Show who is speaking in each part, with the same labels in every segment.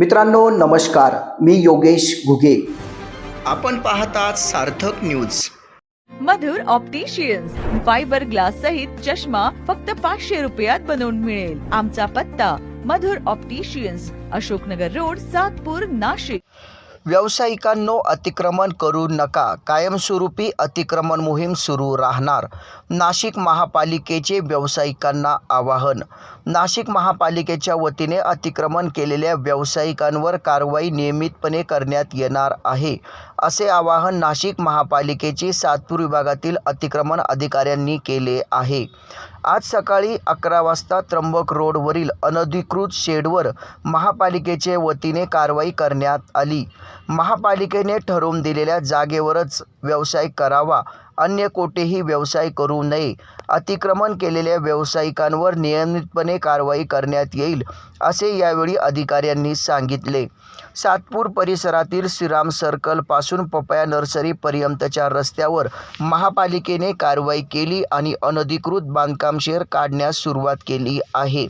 Speaker 1: मित्रांनो नमस्कार, मी योगेश घुगे. आपण पाहतात Sarthak news.
Speaker 2: Madhur opticians fibre glass सहित चष्मा फक्त 500 रुपयात बनवून मिळेल. आमचा पत्ता मधुर ऑप्टिशियन्स, अशोकनगर रोड, सातपूर, नाशिक.
Speaker 1: व्यावसायिकांनो अतिक्रमण करू नका. कायमस्वरूपी अतिक्रमण मोहीम सुरू राहणार. नाशिक महापालिकेचे व्यावसायिकांना आवाहन. नाशिक महापालिकेच्या वतीने अतिक्रमण केलेल्या व्यावसायिकांवर कारवाई नियमितपणे करण्यात येणार आहे, असे आवाहन नाशिक महापालिकेचे सातपूर विभागातील अतिक्रमण अधिकाऱ्यांनी केले आहे. आज सकाळी 11 वाजता त्र्यंबक रोडवरील अनधिकृत शेडवर महापालिकेचे वतीने कारवाई करण्यात आली. महापालिकेने ठरवून दिलेल्या जागेवरच व्यवसाय करावा, अन्य कोठेही व्यवसाय करू नये. अतिक्रमण केलेल्या व्यावसायिकांवर नियमितपणे कारवाई करण्यात येईल, असे यावेळी अधिकाऱ्यांनी सांगितले. सातपूर परिसरातील श्रीराम सर्कल पासून पपया नर्सरी पर्यंतच्या रस्त्यावर महापालिकेने कारवाई केली आणि अनधिकृत बांधकाम शेड काढण्यास सुरुवात केली आहे.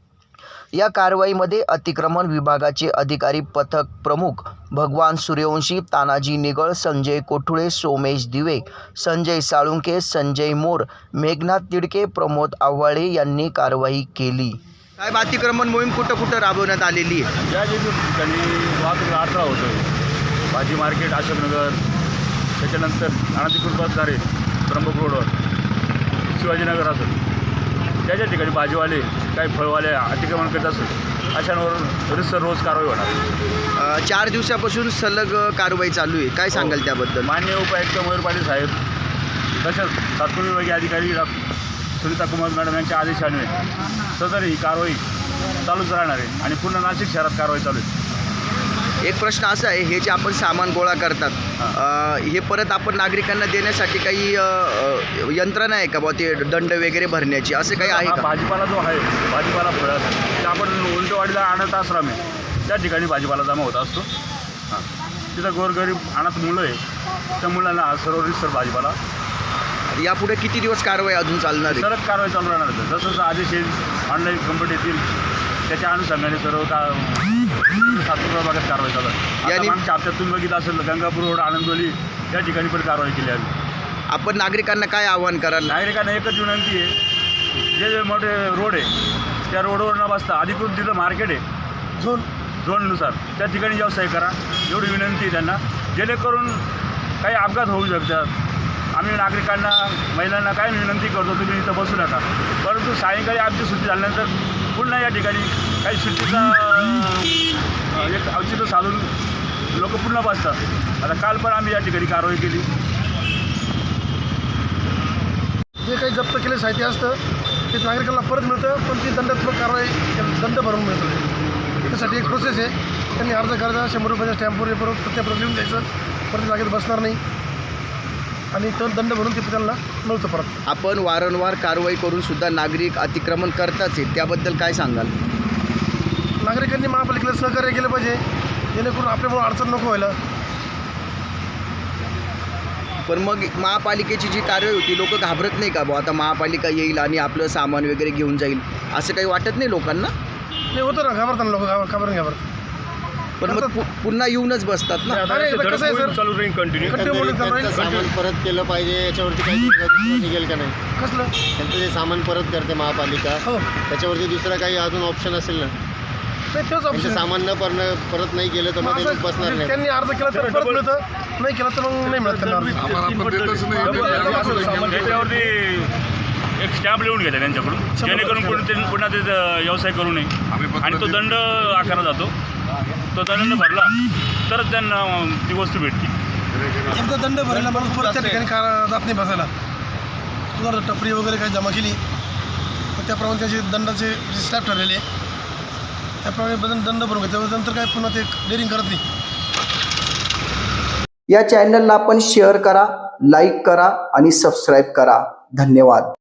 Speaker 1: या कारवाईमध्ये अतिक्रमण विभागाचे अधिकारी पथक प्रमुख भगवान सूर्यवंशी, तानाजी निगळ, संजय कोठुळे, सोमेश दिवे, संजय साळुंखे, संजय मोर, मेघनाथ तिडके, प्रमोद आव्हाळे यांनी कारवाई केली. साहेब, अतिक्रमण मोहीम कुठं राबवण्यात आलेली आहे?
Speaker 3: या ठिकाणी वाहतूक अडथळा होतो. भाजी मार्केट, अशोकनगर, त्याच्यानंतर अनधिकृत बसणारे त्र्यंबक रोडवर, शिवाजीनगर असेल, त्याच्या ठिकाणी भाजीवाले, काही फळवाले अतिक्रमण करत असेल, अशांवर रोज कारवाई होणार.
Speaker 1: 4 दिवसापासून सलग कारवाई चालू आहे. काय सांगाल त्याबद्दल?
Speaker 3: माननीय उपायुक्त मयूर पाटील साहेब, तसेच सातपूर विभागीय अधिकारी सुनीता कुमार मॅडम यांच्या आदेशाने सदर ही कारवाई चालूच राहणार आहे आणि पूर्ण नाशिक शहरात कारवाई चालू आहे.
Speaker 1: एक प्रश्न असा आहे, हे जे आपण सामान गोळा करतात, हे परत आपण नागरिकांना देण्यासाठी काही यंत्रणा आहे का बुवा, ते दंड वगैरे भरण्याची, असं काही आहे का?
Speaker 3: भाजीपाला जो आहे, भाजीपाला फळं ते आपण उलटवाडीला अनाथ आश्रम आहे, त्या ठिकाणी भाजीपाला जमा होत असतो. तिथं गोरगरीब अनाथ मुलं आहे, त्या मुलांना सर्व रिसर भाजीपाला.
Speaker 1: यापुढे किती दिवस कारवाई अजून चालणार आहे?
Speaker 3: सरळ कारवाई चालू राहणार आहे. जसं जसं आदेश येईल ऑनलाईन कंप्लीट येतील, त्याच्या अनुषंगाने सर्व सातपूर भागात कारवाई चालू आहे. आणि आमच्या हप्त्यातून बघित असेल गंगापूर रोड, आनंदवली या ठिकाणी पण कारवाई केली आहे.
Speaker 1: आपण नागरिकांना काय आवाहन कराल?
Speaker 3: नागरिकांना एकच विनंती आहे, जे मोठे रोड आहे त्या रोडवर न बसता अधिकृत जिथं मार्केट आहे झोननुसार त्या ठिकाणी व्यवसाय करा, एवढी विनंती आहे त्यांना, जेणेकरून काही अपघात होऊ शकतात. आम्ही नागरिकांना, महिलांना काय विनंती करतो, तुम्ही इथं बसू नका, परंतु सायंकाळी आमची सुट्टी झाल्यानंतर पुन्हा या ठिकाणी काही सुट्टीचा एक औचित्य साधून लोक पुन्हा बसतात. आता काल पण आम्ही या ठिकाणी कारवाई केली.
Speaker 4: जे काही जप्त केले साहित्य असतं ते नागरिकांना परत मिळतं, पण ती दंडात्मक कारवाई दंड भरून मिळतं. त्यासाठी एक प्रोसेस आहे. त्यांनी अर्ज करायचा, 100 रुपयाच्या स्टॅम्पवर परत प्रत्येक लिहून द्यायचं, परत जागेत बसणार नाही आणि तो दंड भरून ते त्यांना मिळतं परत.
Speaker 1: आपण वारंवार कारवाई करून सुद्धा नागरिक अतिक्रमण करताच आहे, त्याबद्दल काय सांगाल?
Speaker 4: नागरिकांनी महापालिकेला सहकार्य केलं पाहिजे, जेणेकरून आपल्यामुळे अडचण नको व्हायला.
Speaker 1: पण मग महापालिकेची जी कारवाई होती, लोक घाबरत नाही का बुवा, आता महापालिका येईल आणि आपलं सामान वगैरे घेऊन जाईल, असं काही वाटत नाही लोकांना?
Speaker 4: नाही, होतं ना, घाबरतात लोक, घाबरतात.
Speaker 1: पण मग पुन्हा येऊनच बसतात ना.
Speaker 4: कसं आहे सर,
Speaker 3: चालू राहील कंटिन्यू.
Speaker 5: सामान परत केलं पाहिजे, याच्यावरती काही निघेल का नाही?
Speaker 4: कसलं
Speaker 5: त्यांचं जे सामान परत करते महापालिका,
Speaker 4: हो,
Speaker 5: त्याच्यावरती दुसरं काही अजून ऑप्शन असेल ना?
Speaker 4: नाही, तेच
Speaker 5: त्यांचं
Speaker 4: ऑप्शन.
Speaker 5: सामान न परत नाही केलं तर मग ते लोक बसणार नाही.
Speaker 4: त्यांनी अर्ज केला तर परत मिळतं, नाही केलं तर मग नाही मिळत त्यांना अर्ज.
Speaker 3: त्याच्यावरती एक स्टॅम्प लिहून घेते त्यांच्याकडून, जेणेकरून पुन्हा ते व्यवसाय करू नये आणि तो दंड आकारला जातो. तो दंड भरला तरच त्यांना ती वस्तू भेटते.
Speaker 4: एकदा दंड भरायला माणूस परत त्या ठिकाणी जात नाही बसायला. जर टपरी वगैरे काही जमा केली तर त्याप्रमाणे त्याचे दंडाचे स्लॅब ठरलेले आहे, त्याप्रमाणे दंड भरून घेते, त्यानंतर काय पुन्हा ते डेअरिंग करत नाही.
Speaker 1: या चॅनलला आपण शेअर करा, लाईक करा आणि सबस्क्राईब करा. धन्यवाद.